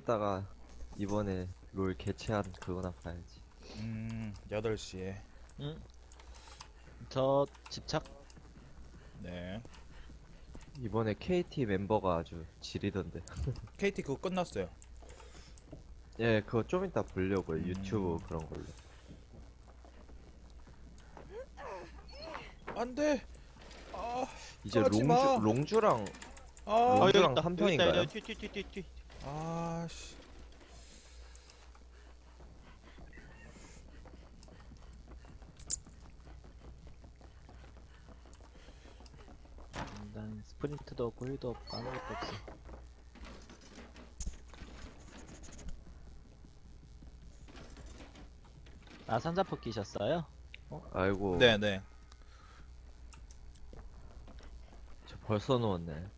이따가 이번에 롤 개최한 그거나 봐야지. 8시에. 응? 저 집착? 네. 이번에 KT 멤버가 아주 지리던데. KT 그거 끝났어요. 예, 그거 좀 이따 보려고요. 유튜브 그런 걸로. 안 돼! 아, 이제 하지 마. 롱주랑 아, 여기 롱주랑 있다. 한 여기 있다. 편인가요? 여기 뒤. 아, 씨. 난 스프린트도 없고 힐도 없고 아무것도 없어. 아, 산자포 끼셨어요? 아이고, 네네. 저 벌써 누웠네.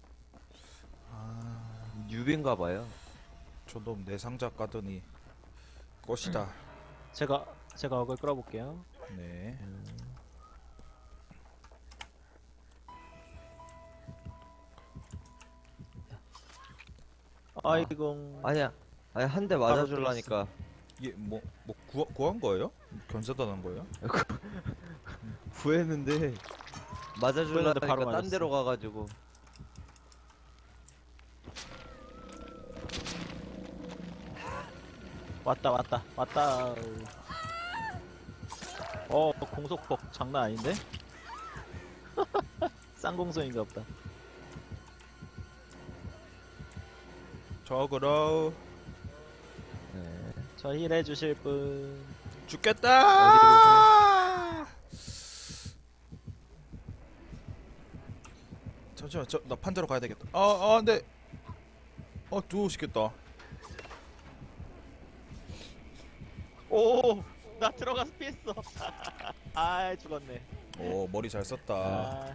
아, 뉴비인가 봐요. 저도 내 상자 까더니 꽃이다. 제가 어글 끌어볼게요. 네. 아이고. 아니야, 아니 한 대 맞아줄라니까. 이게 구한 거예요? 견사단한 거예요? 구했는데 맞아줄라니까 바로 딴 맞았어. 데로 가가지고. 왔다. 공속폭 장난 아닌데? 쌍공성인가 보다. 저그러 네. 저 힐 해주실 분. 죽겠다! 잠시만, 나 판자로 가야 되겠다. 근데 누우시겠다. 오! 나 들어가서 피했어. 아, 죽었네. 오, 머리 잘 썼다. 아,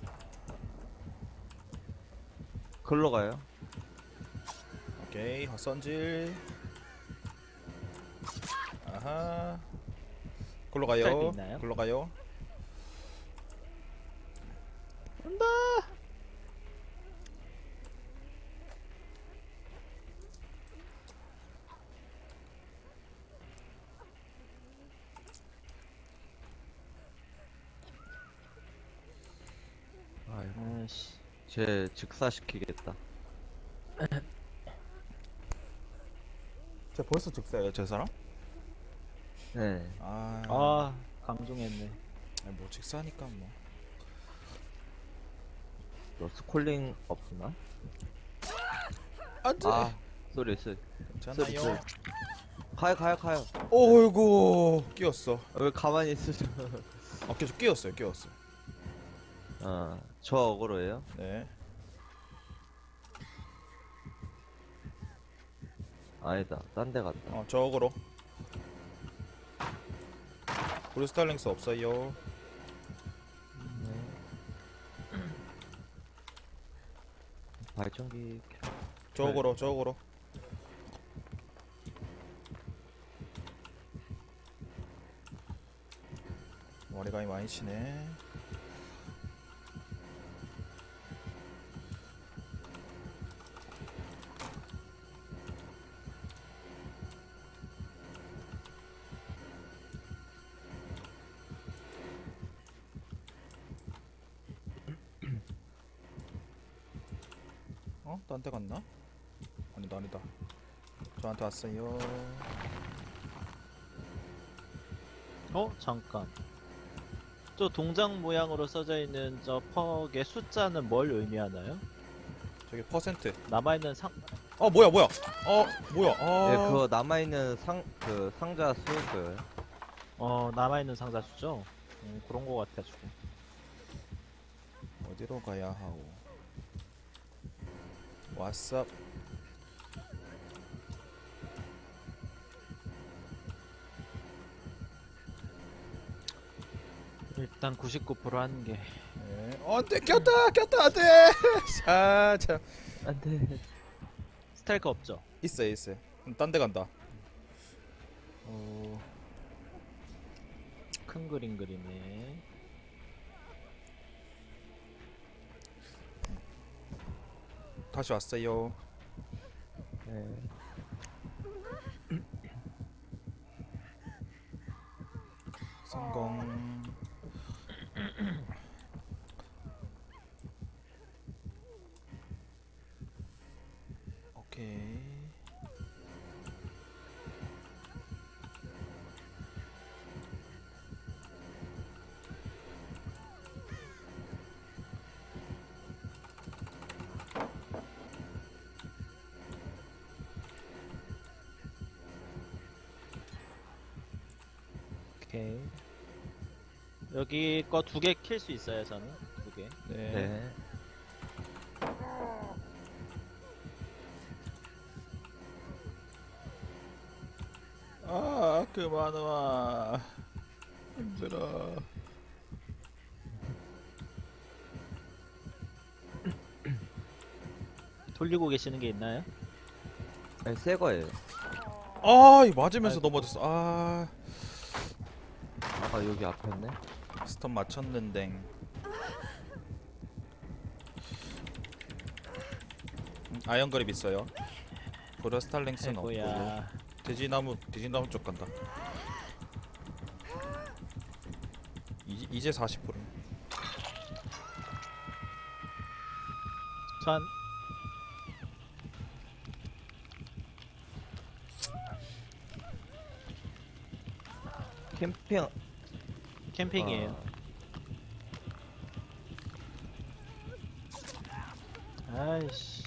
글로 가요. 오케이, 헛선질. 아하. 글로 가요. 스타일도 있나요? 글로 가요. 온다. 아이고, 아이씨. 쟤 즉사시키겠다. 쟤 벌써 즉사예요, 저 사람? 네. 아, 강종했네. 뭐 즉사니까 뭐. 러스콜링 없나? 안돼. 아, 쏘리. 괜찮아요. 가요. 어이구, 끼었어. 왜 가만히 있으죠? 계속 끼었어요. 저 어그로예요? 네. 아니다, 딴 데 갔다. 저거로. 우리 스타일링스 없어요. 발전기. 저거로. 머리감이 많이 치네. 딴 데 갔나? 아니다. 저한테 왔어요. 잠깐. 저 동작 모양으로 써져 있는 저 퍽의 숫자는 뭘 의미하나요? 저기 퍼센트. 남아있는 상, 뭐야? 뭐야? 네, 그거 남아있는 상자 수였어요. 남아있는 상자 수죠? 그런 거 같아가지고. 어디로 가야 하오? 왓썹. 일단 99% 하는 게. 네. 안돼, 꼈다, 안돼. 참. 안 돼. 스타일크 없죠? 있어요. 딴 데 간다. 큰 그림 그리네. 다시 왔어요. 네. 성공. 오케이. 오케이. 여기 거 2개 킬 수 있어요, 저는. 2개. 네. 네. 아, 그만 와. 힘들어. 돌리고 계시는 게 있나요? 아니, 새 거예요. 아, 이거 맞으면서 아이고. 넘어졌어. 아, 아, 여기 앞에 있네. 스턴 맞췄는데. 아이언 그립 있어요. 브러스탈랭스는 없고. 아이고야. 돼지나무 쪽 간다. 이제 40%. 전 캠핑. 캠핑이에요. 아이씨.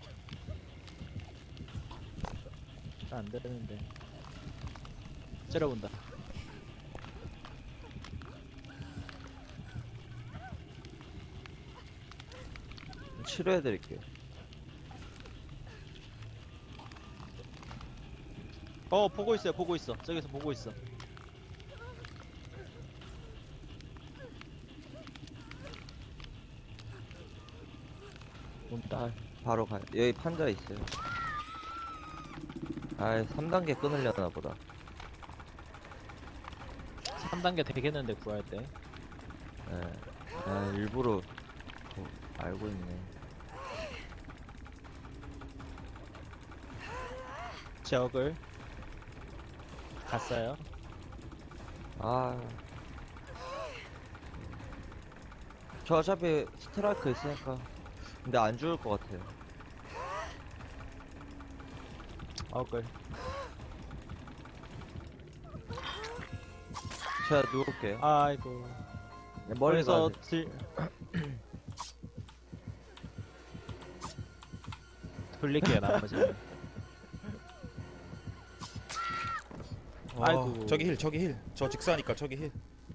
안 되는데. 째려본다. 치료해드릴게요. 보고 있어요, 보고 있어. 저기서 보고 있어. 온다. 아, 바로 가요. 여기 판자 있어요. 아, 3단계 끊으려나 보다. 3단계 되겠는데, 구할 때. 예. 아, 일부러 알고 있네. 지역을 갔어요. 아. 저 어차피 스트라이크 있으니까. 근데 안 죽을 것 같아요. 어글. 제가 누울게요. 아이고. 네, 멀리 멀리서 가세요. 돌릴게요, 나머지는. 아이고. 저기 힐. 저 직사니까 저기 힐.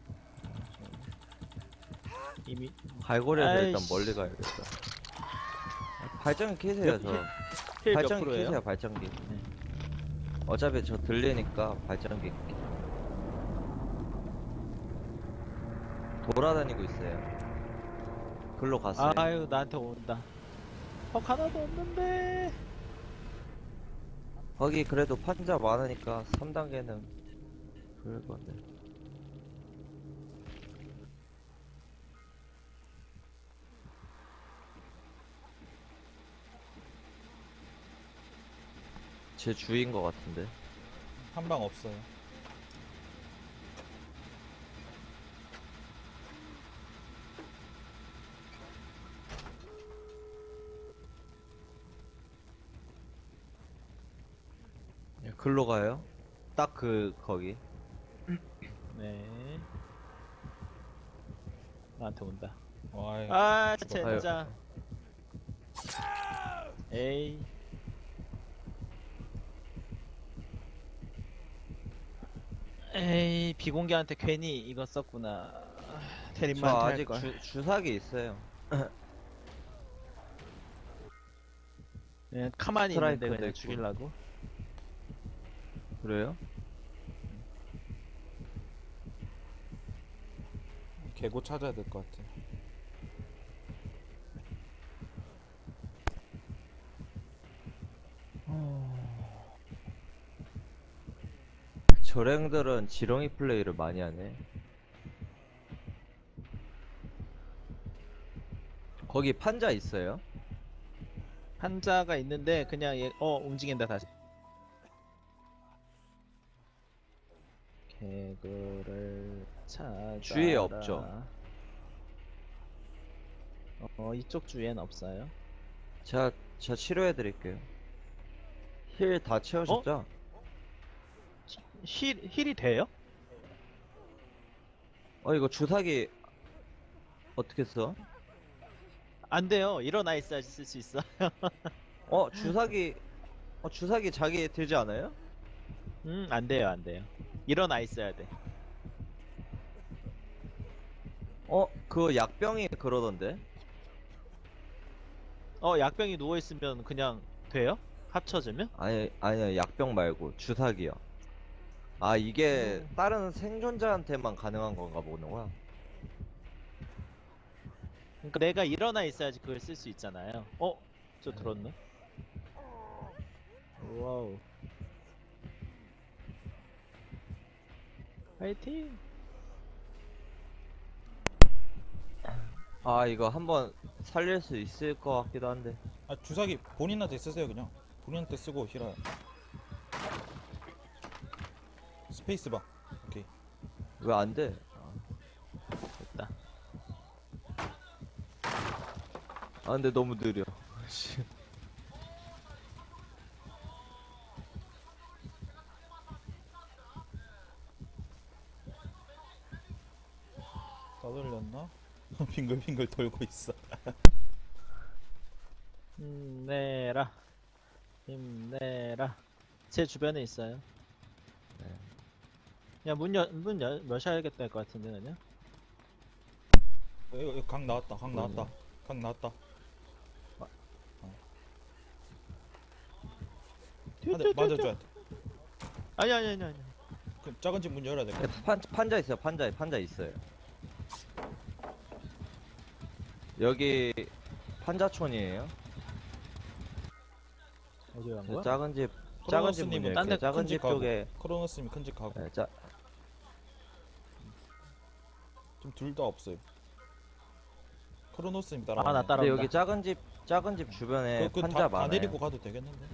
이미 갈고리에서 일단 아이씨. 멀리 가야겠다. 발전기 켜세요, 저. 힐 몇 발전기 프로예요? 켜세요, 발전기. 네. 어차피 저 들리니까 발전기 켜. 돌아다니고 있어요. 글로 갔어요. 아유, 나한테 온다. 하나도 없는데. 거기 그래도 판자 많으니까 3단계는 그럴 건데. 제 주인 것 같은데. 한 방 없어요. 글로 가요? 딱 거기. 네. 나한테 온다. 와이. 아, 죽었다. 젠장. 에이. 에이, 비공개한테 괜히 이거 썼구나. 저 대림만 할 아직 걸. 주사기 있어요. 그냥 가만히 스트라이크도 있는데 그냥 있고. 죽이려고. 그래요? 개고 찾아야 될 것 같아. 저랭들은 지렁이 플레이를 많이 하네. 거기 판자 있어요? 한자가 있는데 그냥 움직인다 다시. 개구를 찾아라. 주위에 없죠? 이쪽 주위엔 없어요. 제가 치료해드릴게요. 힐 다 채우셨죠? 힐이 돼요? 이거 주사기 어떻게 써? 안 돼요. 일어나 있어야지 쓸 수 있어. 주사기 주사기 자기 들지 않아요? 안 돼요, 안 돼요. 일어나 있어야 돼. 그거 약병이 그러던데? 약병이 누워 있으면 그냥 돼요? 합쳐지면? 아니요, 약병 말고 주사기요. 아, 이게 다른 생존자한테만 가능한 건가 보구나. 그러니까 내가 일어나 있어야지 그걸 쓸 수 있잖아요. 저 들었네. 와우. 파이팅. 아, 이거 한번 살릴 수 있을 것 같기도 한데. 아 주사기 본인한테 쓰세요 그냥. 본인한테 쓰고 힐어요. 스페이스바. 오케이. 왜 안 돼? 됐다. 근데 너무 느려. 씨. 떠돌렸나? 빙글빙글 돌고 있어. 힘내라. 힘내라. 제 주변에 있어요. 네. 야, 여셔야겠다 할 것 같은데, 그냥. 이거 강 나왔다. 강 나왔다. 뭐냐? 강 나왔다. 한대 맞아줘야 돼. 아니. 그 작은 집 문 열어야 돼. 판자 있어요, 판자 있어요. 여기 판자촌이에요. 어디 간 거야? 작은 집 문 크로노스님은 딴 열게요. 데 작은 큰 집 집 가고. 쪽에. 크로노스님 큰 집 가고. 네, 지금 둘 다 없어요. 크로노스님 따라. 나 근데 따라온다. 여기 작은 집 주변에 판자 다 많아요. 내리고 가도 되겠는데?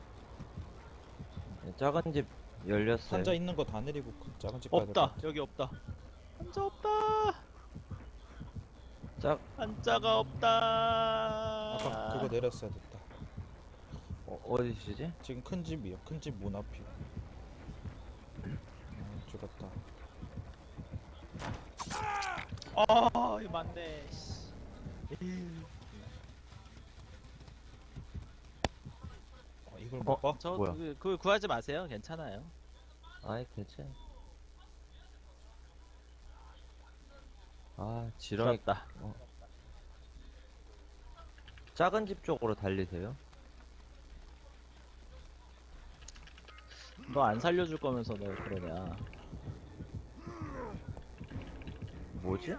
네, 작은 집 열렸어요. 판자 있는 거 다 내리고 그 작은 집 가야 될 것 없다. 같아. 여기 없다. 한자 없다. 한자가 없다. 아까 그거 내렸어야 됐다. 어디시지? 지금 큰 집이요. 큰 집 문 앞이요. 죽었다. 이거 맞네. 씨. 이걸 못 봐? 저 뭐야? 그거 구하지 마세요. 괜찮아요. 아이 대체. 지렁이. 들었다. 작은 집 쪽으로 달리세요. 너 안 살려줄 거면서 너 그러냐. 뭐지?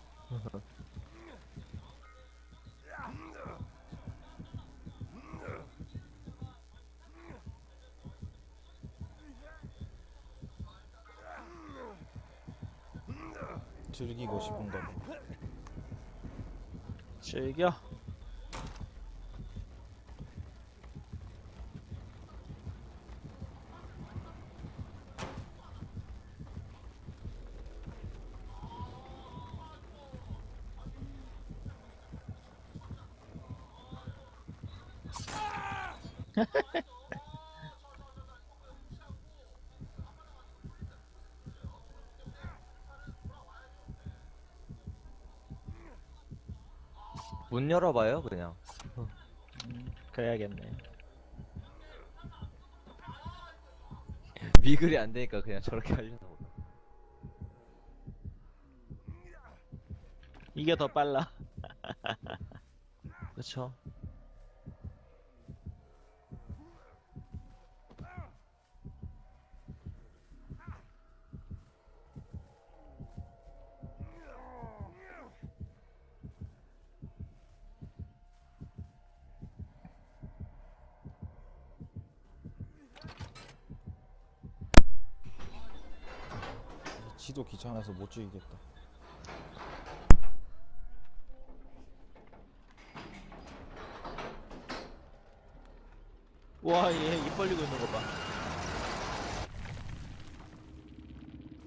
즐기고 싶은가 봐. 즐겨. 문 열어봐요 그냥. 그래야겠네. 미글이 안 되니까 그냥 저렇게 하려나 보다. 이게 더 빨라. 그쵸? 지도 귀찮아서 못 죽이겠다. 와, 얘 입 벌리고 있는 거 봐.